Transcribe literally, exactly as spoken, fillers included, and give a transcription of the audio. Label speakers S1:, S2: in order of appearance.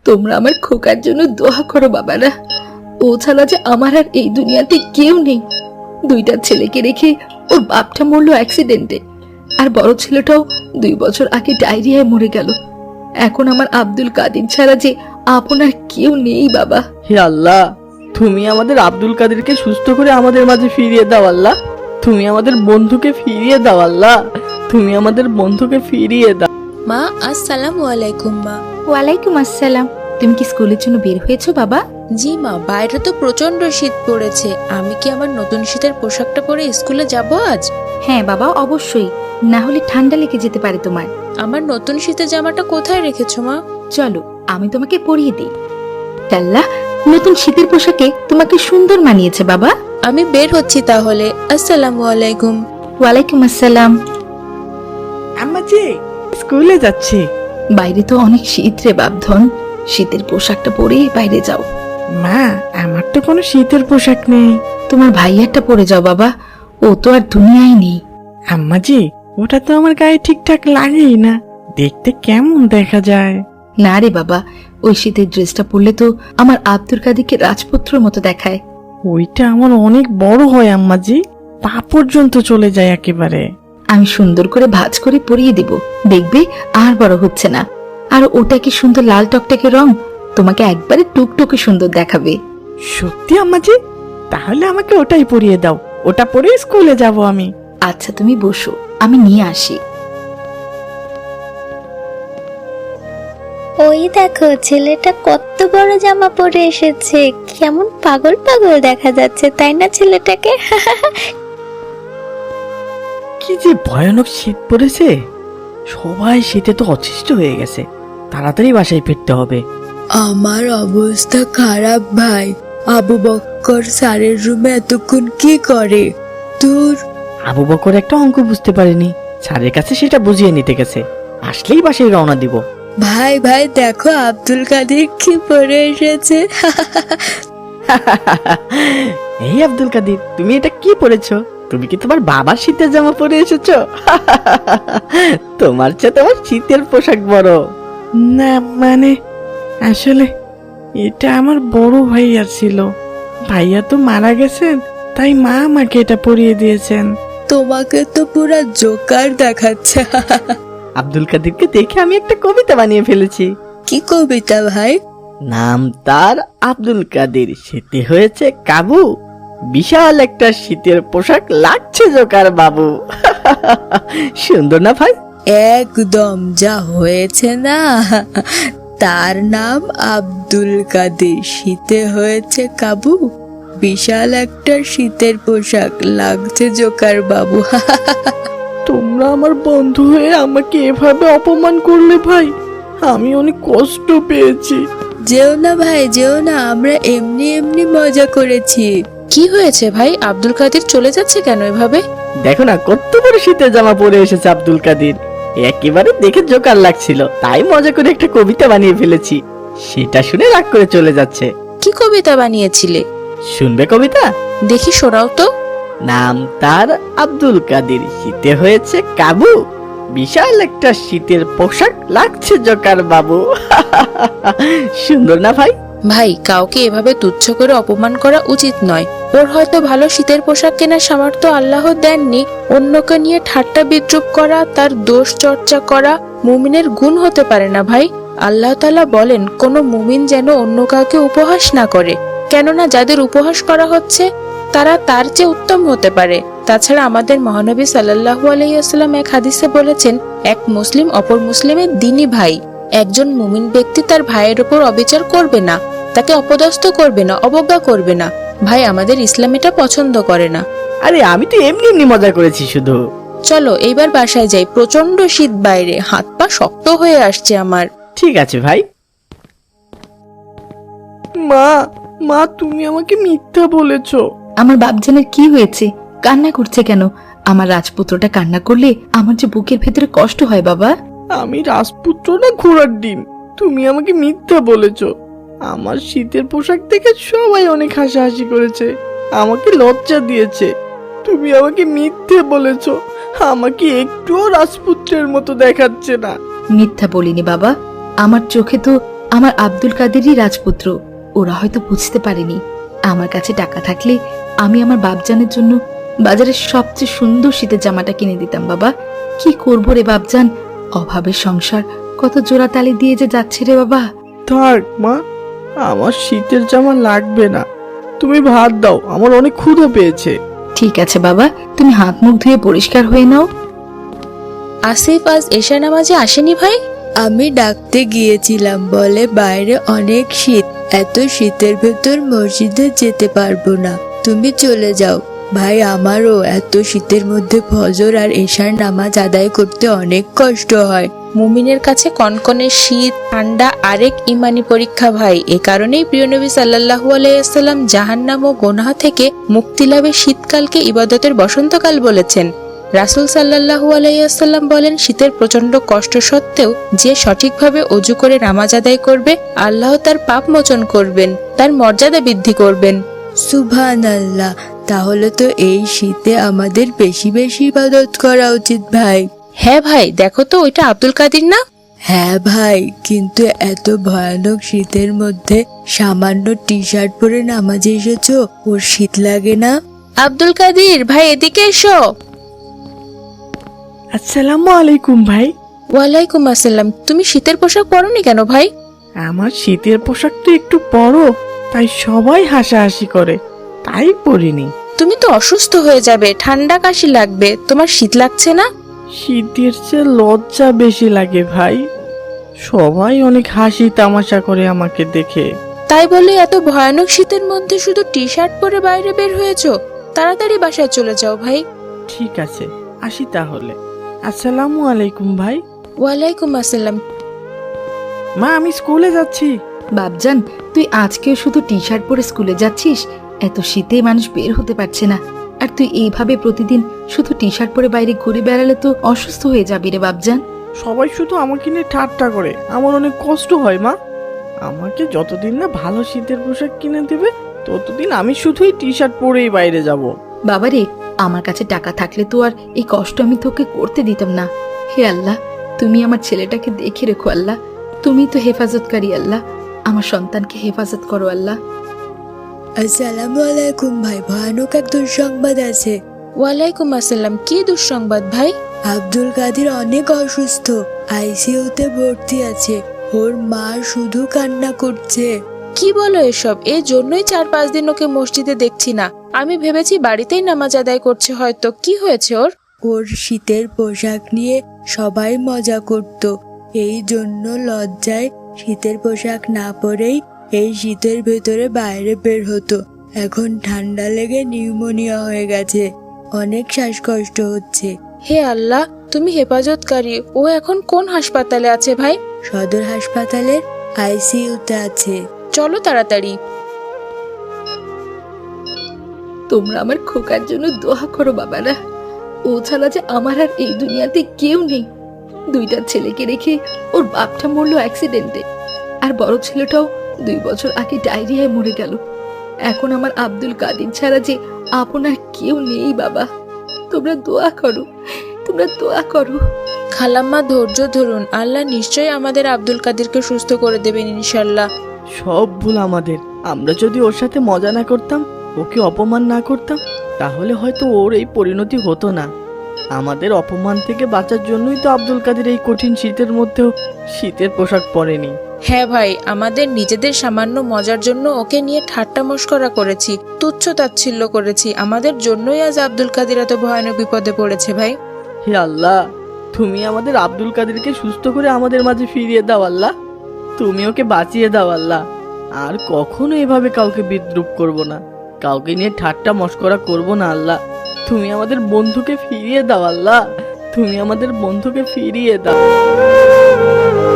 S1: তোমরা আমার খোকার জন্য দোয়া করো বাবারা। ও ছাড়া যে আমার আর এই দুনিয়াতে কেউ নেই। দুইটা ছেলেকে রেখে ওর বাপটা মরলো অ্যাক্সিডেন্টে, আর বড় ছেলেটাও দুই বছর আগে ডায়রিয়ায় মরে গেল। এখন আমার আব্দুল কাদের ছাড়া যে আপনার কেউ নেই বাবা।
S2: হে আল্লাহ, তুমি আমাদের আব্দুল কাদেরকে সুস্থ করে আমাদের মাঝে ফিরিয়ে দাও আল্লাহ। তুমি আমাদের বন্ধুকে ফিরিয়ে দাও আল্লাহ। তুমি আমাদের বন্ধুকে ফিরিয়ে দাও।
S3: মা আসসালামু আলাইকুম। মা
S1: ওয়ালাইকুম আসসালাম। তুমি কি স্কুলের জন্য বের হয়েছো বাবা?
S3: জি মা, বাইরে তো প্রচন্ড শীত পড়েছে। আমি কি আমার নতুন শীতের পোশাকটা পরে স্কুলে যাব আজ?
S1: হ্যাঁ বাবা, অবশ্যই, না হলে ঠান্ডা লেগে যেতে পারে তোমার।
S3: আমার নতুন শীতের জামাটা কোথায় রেখেছো মা?
S1: চলো আমি তোমাকে পরিয়ে দিই। আল্লাহ, নতুন শীতের পোশাকে তোমাকে সুন্দর মানিয়েছে বাবা।
S3: আমি বের হচ্ছি তাহলে। আসসালামু আলাইকুম।
S1: ওয়ালাইকুম আসসালাম।
S2: আম্মাজি স্কুলে যাচ্ছি।
S1: বাইরে তো অনেক শীত রে বাপধন, শীতের পোশাকটা পরে বাইরে যাও।
S2: মা, আমার তো কোনো শীতের পোশাক নেই।
S1: তোমার ভাইয়ারটা পরে যাও বাবা, ও তো আর দুনিয়ায় নেই।
S2: আম্মাজি, ওটা তো আমার গায়ে ঠিকঠাক লাগেই না, দেখতে কেমন দেখা যায়।
S1: না রে বাবা, ওই শীতের ড্রেসটা পরলে তো আমার আব্দুল কাদেরকে রাজপুত্রের মতো দেখায়।
S2: ওইটা আমার অনেক বড় হয় আম্মাজি, পা পর্যন্ত চলে যায় একেবারে।
S1: আমি সুন্দর করে ভাঁজ করে পরিয়ে দিব, দেখবে আর বড় হচ্ছে না। আর ওটা কি সুন্দর লাল টকটকে রং, তোমাকে একবারে টুকটুকে সুন্দর দেখাবে।
S2: সত্যি আম্মাজি? তাহলে আমাকে ওটাই পরিয়ে দাও, ওটা পরে স্কুলে যাব আমি।
S1: আচ্ছা তুমি বসো, আমি নিয়ে আসি।
S4: ওই দেখো, ছেলেটা কত বড় জামা পরে এসেছে, কেমন পাগল পাগল দেখা যাচ্ছে, তাই না ছেলেটাকে?
S2: কি যে ভয়ানক শীত পড়েছে, সবাই শীতে তো অতিষ্ঠ হয়ে গেছে। তাড়াতাড়ি বাসায় ফিরতে হবে।
S3: আমার অবস্থা খারাপ ভাই। আবু বক্কর স্যারের রুমে এতক্ষণ কি করে? তোর
S2: আবু বকর একটা অঙ্ক বুঝতে পারেনি, স্যারের কাছে সেটা বুঝিয়ে নিতে গেছে। আসলেই বাসায় রওনা দিব।
S3: ভাই ভাই দেখো আব্দুল কাদের কি পরে এসেছে।
S2: এই আব্দুল কাদের, তুমি এটা কি পরেছো? তুমি কি তোমার বাবার শীতের জামা পরে এসেছো? তোমার চেয়ে তোমার শীতের পোশাক বড়। না মানে, আসলে এটা আমার বড় ভাইয়ার ছিল। ভাইয়া তো মারা গেছেন, তাই মা আমাকে এটা পরিয়ে দিয়েছেন।
S3: তোমাকে তো পুরা জোকার দেখাচ্ছে।
S2: আব্দুল কাদেরকে দেখে আমি একটা কবিতা বানিয়ে ফেলেছি।
S3: কি কবিতা ভাই?
S2: নাম তার আব্দুল কাদের, শীতে হয়েছে কাবু, বিশাল একটা শীতের পোশাক লাগছে জোকার বাবু। সুন্দর না ভাই?
S3: একদম যা হয়েছে না। তার নাম আব্দুল কাদের, শীতে হয়েছে কাবু, বিশাল একটা শীতের পোশাক লাগছে জোকার বাবু।
S2: তোমরা আমার বন্ধু হয়ে আমাকে এভাবে অপমান করলে ভাই, আমি অনেক কষ্ট পেয়েছি।
S3: যেও না ভাই, যেও না, আমরা এমনি এমনি মজা করেছি। কি হয়েছে ভাই, আব্দুল কাদের চলে যাচ্ছে কেন এভাবে?
S2: দেখো না কত বড় শীতের জামা পরে এসেছে আব্দুল কাদের, একেবারে দেখে জোকার লাগছিল, তাই মজা করে একটা কবিতা বানিয়ে ফেলেছি। সেটা শুনে রাগ করে চলে যাচ্ছে।
S3: কি কবিতা বানিয়েছিলে?
S2: শুনবে কবিতা?
S3: দেখি শোনাও তো।
S2: নাম তার আব্দুল কাদের, শীতে হয়েছে কাবু, বিশাল একটা শীতের পোশাক লাগছে জোকার বাবু। সুন্দর না ভাই?
S3: ভাই, কাউকে এভাবে তুচ্ছ করে অপমান করা উচিত নয়। ওর হয়তো ভালো শীতের পোশাক কেনার সামর্থ্য আল্লাহ দেননি। অন্যকে নিয়ে ঠাট্টা বিদ্রুপ করা, তার দোষ চর্চা করা মুমিনের গুণ হতে পারে না ভাই। আল্লাহ তাআলা বলেন, কোনো মুমিন যেন অন্য কাউকে উপহাস না করে, কেননা যাদের উপহাস করা হচ্ছে তারা তার চেয়ে উত্তম হতে পারে। তাছাড়া আমাদের মহানবী সাল্লাল্লাহু আলাইহি ওয়াসাল্লাম এক হাদিসে বলেছেন, এক মুসলিম অপর মুসলিমের দ্বীনি ভাই। একজন মুমিন ব্যক্তি তার ভাইয়ের উপর অবিচার করবে না, তাকে অপদস্থ করবে না, অবজ্ঞা করবে না। ভাই, আমাদের ইসলাম এটা পছন্দ করে না।
S2: আরে আমি তো এমনি এমনি মজা করেছি শুধু।
S3: চলো এইবার বাসায় যাই, প্রচন্ড শীত বাইরে, হাত পা শক্ত হয়ে আসছে আমার।
S2: ঠিক আছে ভাই। মা, মা তুমি আমাকে মিথ্যা বলেছো।
S1: আমার বাপজানের কি হয়েছে, কান্না করছে কেন? আমার রাজপুত্রটা কান্না করলে আমার যে বুকের ভেতরে কষ্ট হয় বাবা।
S2: আমি রাজপুত্র না ঘোড়ার ডিম? তুমি আমাকে মিথ্যা বলেছো। আমার শীতের পোশাক দেখে সবাই অনেক হাসাহাসি করেছে, আমাকে লজ্জা দিয়েছে। তুমি আমাকে মিথ্যে বলেছো, আমাকে একটুও রাজপুত্রের মতো দেখাচ্ছে না।
S1: মিথ্যা বলিনি বাবা, আমার চোখে তো আমার আব্দুল কাদেরই রাজপুত্র। ওরা হয়তো বুঝতে পারেনি আমার কাছে টাকা থাকলে আমি আমার বাপজানের জন্য বাজারের সবচেয়ে সুন্দর শীতের জামাটা কিনে দিতাম। বাবা, কি করবো রে বাপজান, অভাবের সংসার কত জোড়া তালি দিয়ে যে যাচ্ছে রে বাবা।
S2: থাক মা, আমার শীতের জামা লাগবে না, তুমি ভাত দাও, আমার অনেক ক্ষুধা পেয়েছে।
S1: ঠিক আছে বাবা, তুমি হাত মুখ ধুয়ে পরিষ্কার হয়ে নাও।
S3: আসিফ আজ এশা নামাজে আসেনি ভাই?
S5: আমি ডাকতে গিয়েছিলাম, বলে বাইরে অনেক শীত, এত শীতের ভেতর মসজিদে যেতে পারবো না, তুমি চলে যাও। ভাই, আমারও এত শীতের মধ্যে ফজর আর এশার নামাজ আদায় করতে অনেক কষ্ট হয়।
S3: মুমিনের কাছে কনকনে শীত ঠান্ডা আরেক ইমানি পরীক্ষা ভাই। এ কারণেই প্রিয় নবী সাল্লাল্লাহু আলাইহি সাল্লাম জাহান্নাম ও গুনাহ থেকে মুক্তি লাভে শীতকালকে ইবাদতের বসন্তকাল বলেছেন। রাসূল সাল্লাল্লাহু আলাইহি সাল্লাম বলেন, শীতের প্রচন্ড কষ্ট সত্ত্বেও যে সঠিকভাবে ওযু করে নামাজ আদায় করবে, আল্লাহ তার পাপ মোচন করবেন, তার মর্যাদা বৃদ্ধি করবেন।
S5: সুবহানাল্লাহ, তাহলে তো এই শীতে আমাদের বেশি বেশি ইবাদত করা উচিত ভাই।
S3: হ্যাঁ ভাই, দেখো তো ওইটা আব্দুল কাদির না?
S5: হ্যাঁ ভাই, কিন্তু এত ভয়ানক শীতের মধ্যে সামান্য টি শার্ট পরে নামাজে এসেছো, ওর শীত লাগে না?
S3: আব্দুল কাদির ভাই, এদিকে এসো।
S2: আসসালামু আলাইকুম ভাই।
S3: ওয়ালাইকুম আসসালাম। তুমি শীতের পোশাক পরোনি কেন ভাই?
S2: আমার শীতের পোশাক তো একটু বড়, তাই সবাই হাসাহাসি করে, তাই পরিনি।
S3: তুমি তো অসুস্থ হয়ে যাবে, ঠান্ডা কাশি লাগবে, তোমার শীত লাগছে না?
S2: শীতের চেয়ে লজ্জা বেশি লাগে ভাই, সবাই অনেক হাসি তামাশা করে আমাকে দেখে।
S3: তাই বলে এত ভয়ানক শীতের মধ্যে শুধু টি শার্ট পরে বাইরে বের হয়েছো? তাড়াতাড়ি বাসায় চলে যাও ভাই।
S2: ঠিক আছে, আসি তাহলে। আসসালামু আলাইকুম ভাই।
S3: ওয়ালাইকুম আসসালাম।
S2: মা, আমি স্কুলে যাচ্ছি।
S1: বাপজান, তুই আজকেও শুধু টি শার্ট পরে স্কুলে যাচ্ছিস? এত শীতে মানুষ বের হতে পারছে না, আর তুই এইভাবে প্রতিদিন শুধু টি শার্ট পরে বাইরে ঘুরে বেড়ালে তো অসুস্থ হয়ে যাবি রে বাপজান।
S2: সবাই শুধু আমাকে নিয়ে ঠাট্টা করে, আমার অনেক কষ্ট হয় মা। আমাকে যতদিন না ভালো শীতের পোশাক কিনে দেবে, ততদিন আমি শুধুই টি শার্ট পরেই বাইরে যাব।
S1: বাবারে, আমার কাছে টাকা থাকলে তো আর এই কষ্ট আমি তোকে করতে দিতাম না। হে আল্লাহ, তুমি আমার ছেলেটাকে দেখে রেখো আল্লাহ, তুমি তো হেফাজতকারী আল্লাহ, আমার সন্তানকে হেফাজত করো আল্লাহ।
S5: আসসালামু আলাইকুম ভাই, ভয়ানক এক দুঃসংবাদ আছে।
S3: ওয়ালাইকুম আসসালাম। কি দুঃসংবাদ ভাই?
S5: আব্দুল কাদের অনেক অসুস্থ, আইসিইউতে ভর্তি আছে, ওর মা শুধু কান্না করছে।
S3: কি বলো এসব? এই জন্যই চার পাঁচ দিন ওকে মসজিদে দেখছি না। আমি ভেবেছি বাড়িতেই নামাজ আদায় করছে হয়তো। কি হয়েছে ওর?
S5: ওর শীতের পোশাক নিয়ে সবাই মজা করত, এই জন্য লজ্জায় শীতের পোশাক না পরেই এই শীতের ভেতরে বাইরে বের হতো। এখন ঠান্ডা লেগে নিউমোনিয়া হয়ে গেছে, অনেক শ্বাসকষ্ট হচ্ছে।
S3: হে আল্লাহ, তুমি হেফাজতকারী। ও এখন কোন হাসপাতালে আছে ভাই?
S5: সদর হাসপাতালের আইসিইউতে আছে।
S3: চলো তাড়াতাড়ি।
S1: তোমরা আমার খোকার জন্য দোয়া করো বাবারা, ও ছাড়া যে আমার আর এই দুনিয়াতে কেউ নেই। দুইটা ছেলেকে রেখে ওর বাপটা মরলো অ্যাক্সিডেন্টে, আর বড় ছেলেটাও দুই বছর আগে ডায়রিয়ায় মরে গেল। এখন আমার আব্দুল কাদির ছাড়া যে আপনার কেউ নেই বাবা। তোমরা দোয়া করো, তোমরা দোয়া করো।
S3: খালাম্মা, ধৈর্য ধরুন, আল্লাহ নিশ্চয়ই আমাদের আব্দুল কাদিরকে সুস্থ করে দেবেন ইনশাল্লাহ।
S2: সব ভুল আমাদের। আমরা যদি ওর সাথে মজা না করতাম, ওকে অপমান না করতাম, তাহলে হয়তো ওর এই পরিণতি হতো না। আমাদের অপমান থেকে বাঁচার জন্যই তো আব্দুল কাদের এই কঠিন শীতের মধ্যেও শীতের পোশাক পরেনি।
S3: হ্যাঁ ভাই, আমাদের নিজেদের সামান্য মজার জন্য ওকে নিয়ে ঠাট্টা মশকরা করেছি, তুচ্ছ তাচ্ছিল্য করেছি। আমাদের জন্যই আজ আব্দুল কাদির এত ভয়ানক বিপদে পড়েছে ভাই।
S2: হে আল্লাহ, তুমি আমাদের আব্দুল কাদেরকে সুস্থ করে আমাদের মাঝে ফিরিয়ে দাও আল্লাহ, তুমি ওকে বাঁচিয়ে দাও আল্লাহ। আর কখনো এভাবে কাউকে বিদ্রুপ করব না, কাউকে নিয়ে ঠাট্টা মশকরা করব না আল্লাহ। তুমি আমাদের বন্ধুকে ফিরিয়ে দাও আল্লাহ, তুমি আমাদের বন্ধুকে ফিরিয়ে দাও।